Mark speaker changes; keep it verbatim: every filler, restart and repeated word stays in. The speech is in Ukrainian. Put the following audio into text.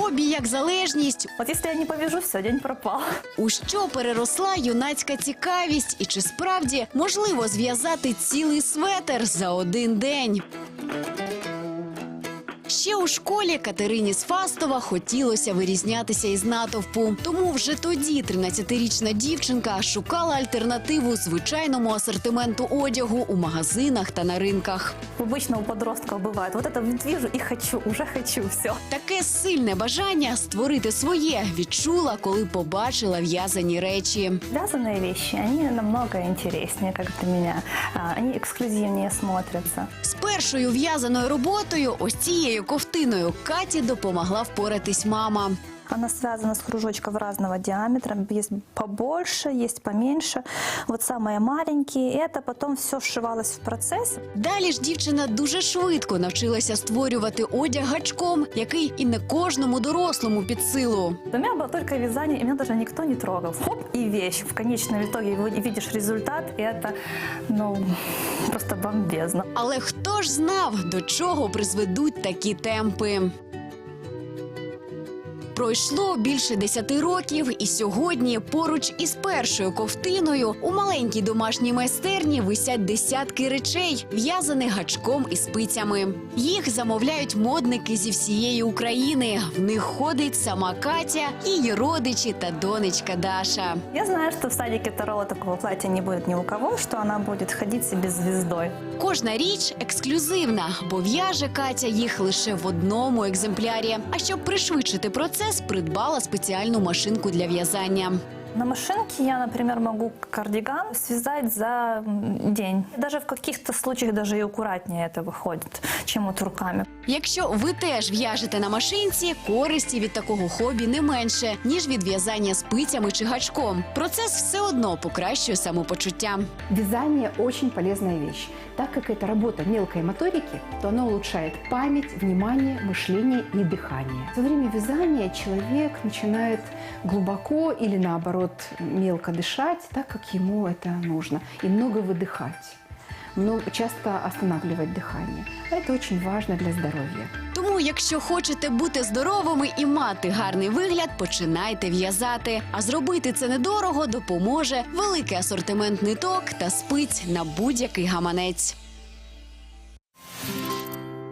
Speaker 1: хобі як залежність.
Speaker 2: Вот если я не повяжу, все, день пропал.
Speaker 1: У що переросла юнацька цікавість і чи справді можливо зв'язати цілий светр за один день? Ще у школі Катерині з Фастова хотілося вирізнятися із натовпу. Тому вже тоді тринадцятирічна дівчинка шукала альтернативу звичайному асортименту одягу у магазинах та на ринках.
Speaker 2: Обычно у подростков бывает. Вот это вот вижу и хочу, уже хочу, все.
Speaker 1: Таке сильне бажання створити своє відчула, коли побачила в'язані речі.
Speaker 2: Вязаные вещи, они намного интереснее, как для меня. А, Они эксклюзивнее смотрятся.
Speaker 1: З першою в'язаною роботою, ось цією ковтиною, Каті допомогла впоратись мама.
Speaker 2: Она связана с кружочков разного диаметра. Есть побольше, есть поменьше. Вот самые маленькие. И это потом все вшивалось в процесс.
Speaker 1: Далі ж дівчина дуже швидко навчилася створювати одяг гачком, який і не кожному дорослому під силу.
Speaker 2: У меня было только вязание, и меня даже никто не трогал. Хоп, и вещь. В конечном итоге видишь результат, и это, ну, просто бомбезно.
Speaker 1: Але хто ж знав, до чого призведуть такі темпи? Пройшло більше десяти років, і сьогодні поруч із першою ковтиною у маленькій домашній майстерні висять десятки речей, в'язаних гачком і спицями. Їх замовляють модники зі всієї України. В них ходить сама Катя, її родичі та донечка Даша.
Speaker 2: Я знаю, что в садике Таро такого платья не будет ни у кого, что она будет ходить себе звездой.
Speaker 1: Кожна річ ексклюзивна, бо в'яже Катя їх лише в одному екземплярі. А щоб пришвидшити процес, придбала спеціальну машинку для в'язання.
Speaker 2: На машинке я, например, могу кардиган связать за день. Даже в каких-то случаях даже и аккуратнее это выходит, чем вот руками.
Speaker 1: Якщо ви теж в'яжете на машинці, користі від такого хобі не менше, ніж від в'язання спицями чи гачком. Процес все одно покращує самопочуття.
Speaker 3: Вязание очень полезная вещь. Так как это работа мелкой моторики, то оно улучшает память, внимание, мышление и дыхание. Во время вязания человек начинает глубоко или наоборот мелко дышать, так как ему это нужно, и много выдыхать. Но часто останавливать дыхание. Это очень важно для здоровья.
Speaker 1: Тому, якщо хочете бути здоровими і мати гарний вигляд, починайте в'язати. А зробити це недорого допоможе великий асортимент ниток та спиць на будь-який гаманець.